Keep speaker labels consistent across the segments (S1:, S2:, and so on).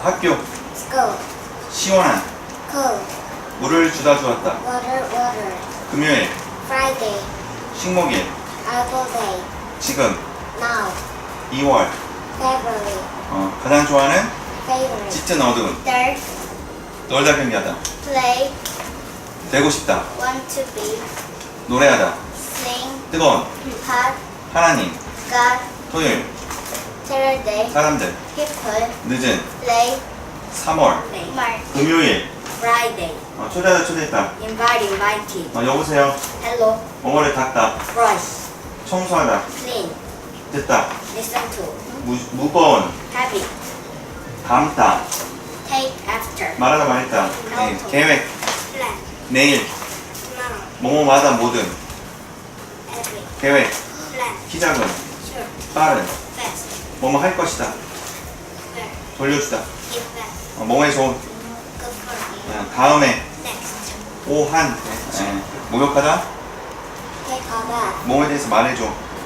S1: 학교.
S2: School.
S1: 시원한.
S2: Cool.
S1: 물을 주다 주었다.
S2: Water.
S1: 금요일.
S2: Friday.
S1: 식목일.
S2: Apple day.
S1: 지금.
S2: Now.
S1: 2월.
S2: February.
S1: 가장 좋아하는
S2: Favorite.
S1: 짙은 어두운.
S2: Dark.
S1: 놀다 경기하다.
S2: Play.
S1: 되고 싶다.
S2: Want to be.
S1: 노래하다.
S2: Sing.
S1: 뜨거운.
S2: Hot.
S1: 하나님.
S2: God.
S1: 토요일.
S2: Saturday.
S1: 사람들.
S2: People.
S1: 늦은.
S2: Play.
S1: 3월.
S2: Mark.
S1: 금요일.
S2: Friday.
S1: 초대하다 초대했다.
S2: Invited.
S1: 여보세요.
S2: Hello.
S1: 뭐뭐를 닦다.
S2: Brush.
S1: 청소하다.
S2: Clean.
S1: 듣다.
S2: Listen to.
S1: 무거운.
S2: Habit.
S1: 담다.
S2: Take after.
S1: 말하다 말했다. 네. 계획.
S2: Plan.
S1: 내일.
S2: Tomorrow.
S1: 뭐뭐마다 모든.
S2: Every.
S1: 계획.
S2: Plan.
S1: 키 작은.
S2: Sure.
S1: 빠른.
S2: Fast.
S1: 뭐뭐 할 것이다.
S2: Where.
S1: 돌려주다.
S2: Give back.
S1: 뭐뭐에 좋은.
S2: Good for you.
S1: 다음에.
S2: Next.
S1: 오한. 목욕하다.
S2: Take a bath.
S1: 뭐뭐에 대해서 말해줘.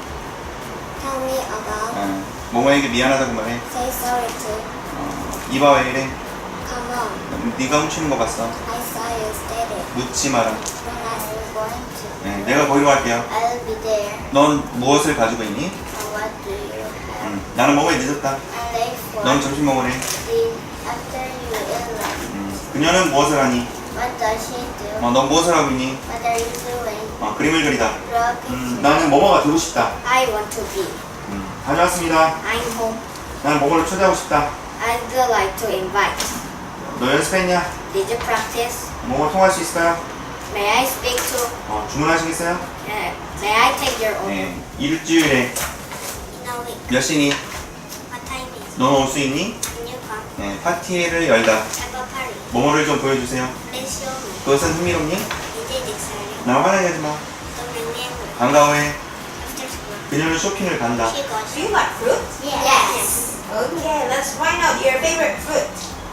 S2: Tell me about.
S1: 뭐뭐에게 미안하다고 말해.
S2: Say sorry to.
S1: 이봐 왜 이래.
S2: Come on.
S1: 네가 훔치는 거 봤어.
S2: I saw you steady.
S1: 묻지 마라.
S2: When are you going to?
S1: 내가 거기로 갈게요.
S2: I'll be there.
S1: 넌 무엇을 가지고 있니?
S2: And what do you have?
S1: 나는 뭐뭐에 늦었다.
S2: I'm late for.
S1: 넌 점심 먹으래.
S2: the after you eat lunch.
S1: 그녀는 무엇을 하니?
S2: What does she do?
S1: 넌 무엇을 하고 있니?
S2: What are you doing?
S1: 그림을 그리다.
S2: Draw a picture.
S1: 나는 뭐뭐가 되고 싶다.
S2: I want to be.
S1: 다녀왔습니다.
S2: I'm home.
S1: 나는 뭐뭐를 초대하고 싶다.
S2: I'd like to invite.
S1: 너 연습했냐?
S2: Did you practice?
S1: 뭐뭐 통할 수 있을까요?
S2: May I speak to?
S1: 주문하시겠어요?
S2: May I take your order?
S1: 일주일에
S2: In a week.
S1: 몇 시니?
S2: What time is?
S1: 넌 올 수 있니?
S2: Can you come?
S1: 파티를 열다.
S2: Have a party.
S1: 뭐뭐를 좀 보여주세요.
S2: Please show me.
S1: 그것은 흥미롭니?
S2: Is it exciting?
S1: 나 화나게 하지 마.
S2: Don't remember.
S1: 반가워해.
S2: After school.
S1: 그녀는 쇼핑을 간다.
S2: She goes.
S3: Do you like fruit?
S2: Yes.
S3: Okay, let's find out your favorite fruit.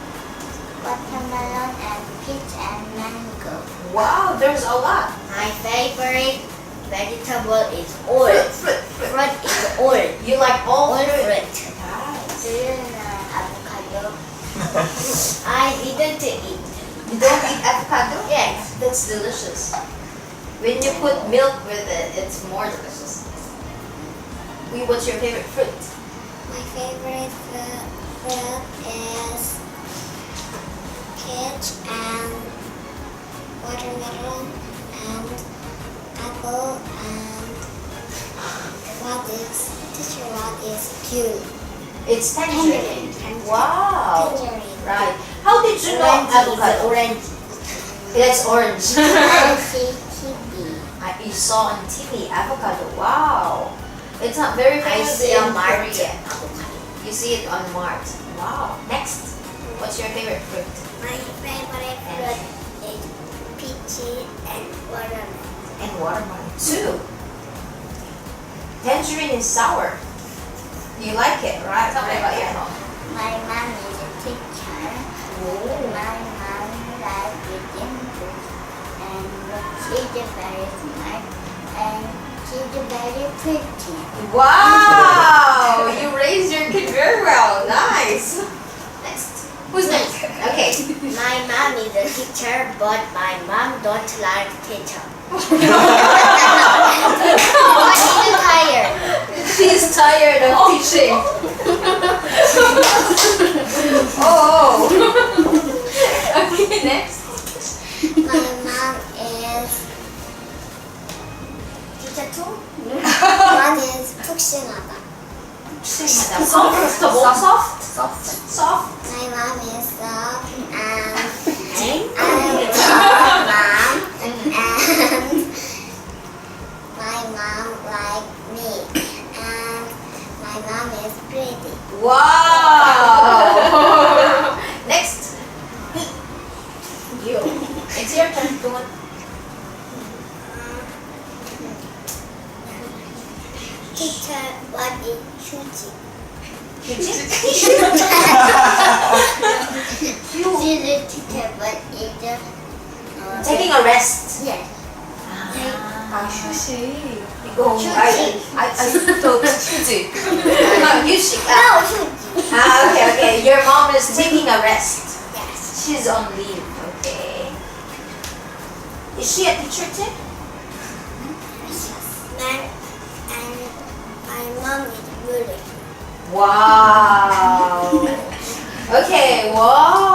S2: Watermelon and peach and mango.
S3: Wow, there's a lot.
S2: My favorite vegetable is orange.
S3: Fruit.
S2: Fruit is orange.
S3: You like all
S2: All
S3: fruit?
S2: fruit.
S3: Nice.
S2: Do you know avocado? I didn't eat.
S3: You don't eat avocado?
S2: Yes.
S3: That's delicious. When you put milk with it, it's more delicious. What's your favorite fruit?
S2: My favorite fruit is peach and watermelon and apple and what is kiwi?
S3: It's tangerine.
S2: Tangerine.
S3: Wow.
S2: Tangerine.
S3: Right. How did you know
S2: Orange is
S3: avocado?
S2: orange.
S3: That's orange.
S2: I see kiwi.
S3: You saw on TV avocado. Wow. It's not very
S2: I
S3: famous
S2: see
S3: in
S2: a market.
S3: Korea. You see it on Mart. Wow. Next. What's your favorite fruit?
S2: My favorite fruit is peachy and watermelon.
S3: And watermelon too. Tangerine is sour. You like it, right? Tell me about your mom.
S2: My mom is a teacher. My mom likes reading books and she's very smart and she's very pretty.
S3: Wow! You raised your kid very well. Nice. Next. Who's next? Okay.
S2: My mom is a teacher, but my mom don't like teacher. But she's tired.
S3: She's tired of teaching. Oh. Okay, next.
S2: My mom is teacher too. One is 푹신하다.
S3: Soft. Soft.
S2: My mom is soft and I love mom and my mom like me and my mom is pretty.
S3: Wow. Next. You. It's your turn. Go on.
S2: Teacher, what is 휴지?
S3: 휴지?
S2: She's a teacher, but is
S3: Taking a rest.
S2: yes.
S3: 휴지. 이거 I thought 휴지. 휴지.
S2: No, 휴지.
S3: Okay. Your mom is taking a rest.
S2: Yes.
S3: She's on leave. Okay. Is she a teacher too?
S2: And my mom is beautiful.
S3: Wow. Okay. Wow.